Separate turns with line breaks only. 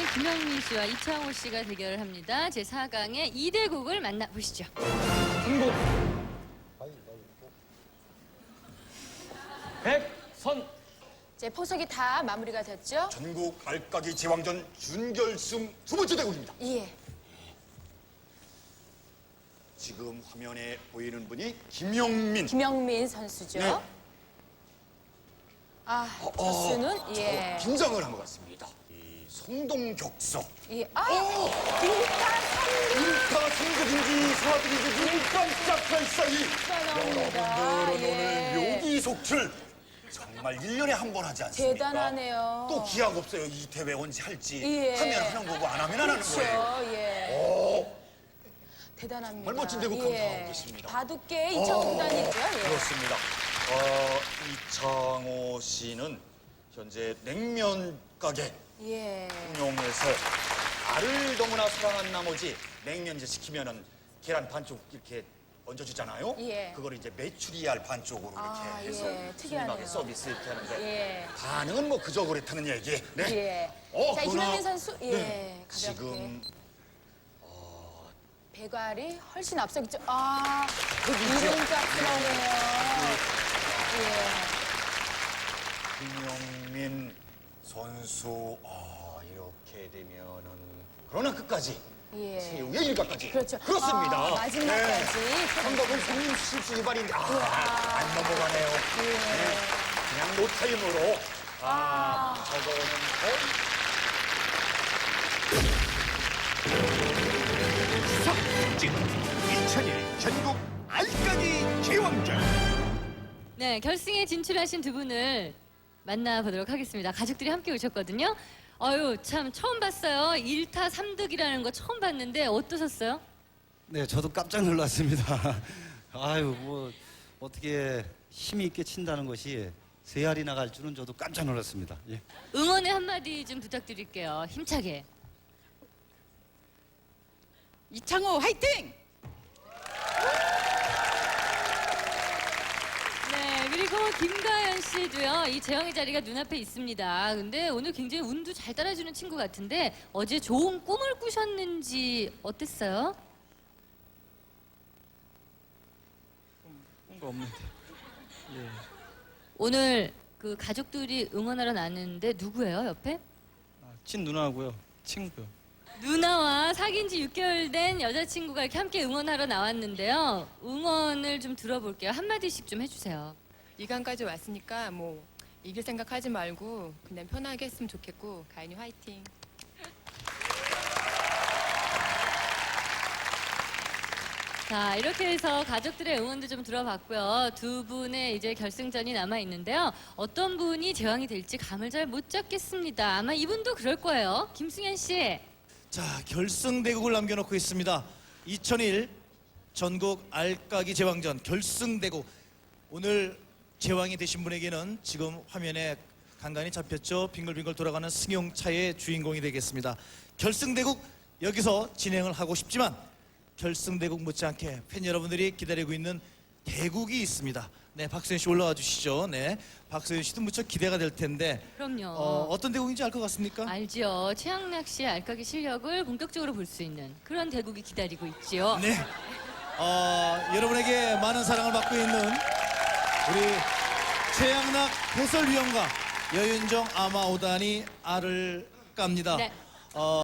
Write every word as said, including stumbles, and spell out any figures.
김영민 씨와 이창호 씨가 대결을 합니다. 제사 강의 이 대국을 만나보시죠.
중국 백선
이제 포석이 다 마무리가 됐죠?
전국 알까기 제왕전 준결승 두 번째 대국입니다.
예.
지금 화면에 보이는 분이 김영민.
김영민 선수죠.
네.
아,
어,
투수는
어,
예.
저 긴장을 한 것 같습니다. 이 성동격서.
예. 아, 일타 삼
인타 삼국인지 사국인지 눈 깜짝할 사이
나옵니다.
여러분들은
예.
오늘 묘기속출 정말 일 년에 한 번 하지 않습니까?
대단하네요.
또 기약 없어요. 이 대회 언제 할지.
예.
하면 하는 거고 안 하면 안 하는
그렇죠.
거예요.
예.
오,
대단합니다.
정말 멋진 대국 감상하고 계십니다.
바둑계 이창호 구단이죠. 예.
그렇습니다. 어, 이창호 씨는 현재 냉면 가게
예.
운영해서 알을 너무나 사랑한 나머지 냉면 이제 시키면은 계란 반쪽 이렇게 얹어주잖아요.
예.
그걸 이제 메추리알 반쪽으로
아,
이렇게 해서
예. 특이하네요.
손님에게 서비스 이렇게 하는데
예.
반응은 뭐 그저 그렇다는 얘기. 네.
예.
어,
자,
그러나-
김영민 선수. 예.
네.
가볍게.
지금
배갈이 훨씬 앞서겠죠. 아,
흑이죠.
이름 값이 나오네요. 예.
김영민 선수 아, 이렇게 되면은 그러나 끝까지
예.
최후의 일각까지
그렇죠.
그렇습니다.
아, 마지막까지.
한국은 손님 실수 위반인데 아, 안 넘어가네요.
예.
네, 그냥 노타임으로 아, 저거는
진 이천일 전국 알까기 제왕전.
네, 결승에 진출하신 두 분을 만나보도록 하겠습니다. 가족들이 함께 오셨거든요. 어유 참 처음 봤어요. 일타 삼득이라는 거 처음 봤는데 어떠셨어요?
네, 저도 깜짝 놀랐습니다. 아유, 뭐 어떻게 힘이 있게 친다는 것이 세 알이 나갈 줄은 저도 깜짝 놀랐습니다. 예.
응원의 한마디 좀 부탁드릴게요. 힘차게.
이창호 화이팅!
네, 그리고 김가연 씨도요. 이 재영의 자리가 눈앞에 있습니다. 근데 오늘 굉장히 운도 잘 따라주는 친구 같은데 어제 좋은 꿈을 꾸셨는지 어땠어요?
뭔가 없는데. 예.
오늘 그 가족들이 응원하러 나왔는데 누구예요, 옆에?
아, 친 누나하고요. 친구요.
누나와 사귄 지 육 개월 된 여자친구가 이렇게 함께 응원하러 나왔는데요. 응원을 좀 들어볼게요. 한마디씩 좀 해주세요.
이강까지 왔으니까 뭐 이길 생각하지 말고 그냥 편하게 했으면 좋겠고 가인이 화이팅.
자, 이렇게 해서 가족들의 응원도 좀 들어봤고요. 두 분의 이제 결승전이 남아 있는데요. 어떤 분이 제왕이 될지 감을 잘 못 잡겠습니다. 아마 이분도 그럴 거예요. 김승현 씨.
자, 결승 대국을 남겨놓고 있습니다. 이천일 전국 알까기 제왕전 결승 대국. 오늘 제왕이 되신 분에게는 지금 화면에 간간히 잡혔죠. 빙글빙글 돌아가는 승용차의 주인공이 되겠습니다. 결승 대국 여기서 진행을 하고 싶지만 결승 대국 못지않게 팬 여러분들이 기다리고 있는 대국이 있습니다. 네, 박수현 씨 올라와 주시죠. 네, 박수현 씨도 무척 기대가 될 텐데
그럼요.
어, 어떤 대국인지 알 것 같습니까?
알지요. 최양락 씨의 알까기 실력을 본격적으로 볼 수 있는 그런 대국이 기다리고 있지요.
네. 어, 여러분에게 많은 사랑을 받고 있는 우리 최양락 해설위원과 여윤정 아마오단이 알을 깝니다.
네.
어,